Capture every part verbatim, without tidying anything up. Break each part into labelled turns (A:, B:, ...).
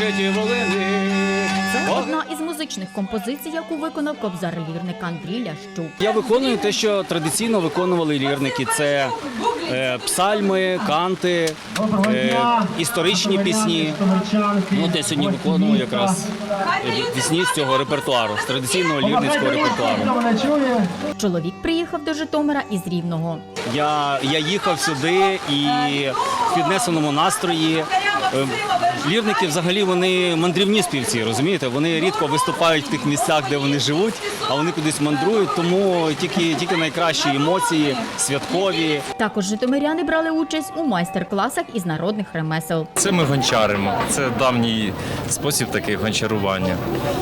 A: житі волини.
B: Це одна із музичних композицій, яку виконав кобзар-лірник Андрій Лящук.
A: Я виконую те, що традиційно виконували лірники. Це е, псальми, канти, е, історичні пісні. Ну, я сьогодні виконував якраз пісні з цього репертуару, з традиційного лірницького репертуару.
B: Чоловік приїхав до Житомира із Рівного.
A: Я, я їхав сюди і в піднесеному настрої. Е, Лірники взагалі вони мандрівні співці, розумієте? Вони рідко виступають в тих місцях, де вони живуть, а вони кудись мандрують, тому тільки, тільки найкращі емоції, святкові.
B: Також житомиряни брали участь у майстер-класах із народних ремесел.
C: Це ми гончаримо. Це давній спосіб такий гончарування.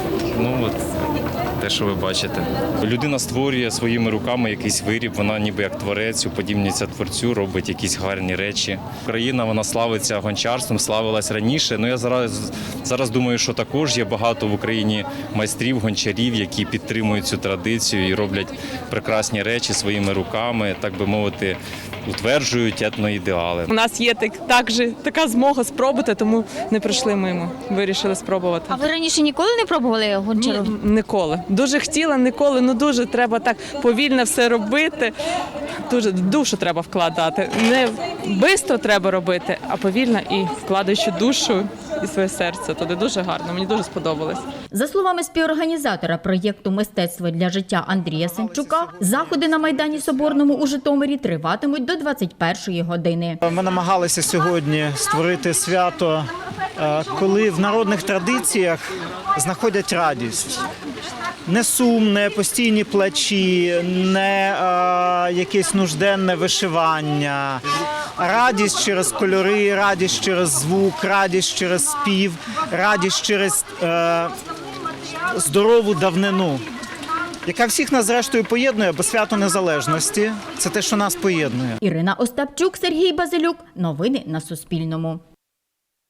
C: Ну от те, що ви бачите. Людина створює своїми руками якийсь виріб, вона ніби як творець, уподібнюється творцю, робить якісь гарні речі. Україна, вона славиться гончарством, славилась раніше. Ну я зараз, зараз думаю, що також є багато в Україні майстрів, гончарів, які підтримують цю традицію і роблять прекрасні речі своїми руками, так би мовити, утверджують етноідеали.
D: У нас є так, також така змога спробувати, тому не прийшли мимо. Вирішили спробувати.
B: А ви раніше ніколи не пробували гончару?
D: Ні, ніколи. Дуже хотіла, ніколи, ну дуже треба так повільно все робити. Дуже душу треба вкладати. Не швидко треба робити, а повільно і вкладаючи душу і своє серце. Туди дуже гарно, мені дуже сподобалось.
B: За словами співорганізатора проєкту «Мистецтво для життя» Андрія Сенчука, заходи на Майдані Соборному у Житомирі триватимуть до двадцять першої години.
E: Ми намагалися сьогодні створити свято, коли в народних традиціях знаходять радість. Не сум, не постійні плачі, не а, якесь нужденне вишивання. Радість через кольори, радість через звук, радість через спів, радість через е, здорову давнину, яка всіх нас зрештою поєднує, бо свято незалежності – це те, що нас поєднує.
B: Ірина Остапчук, Сергій Базилюк. Новини на Суспільному.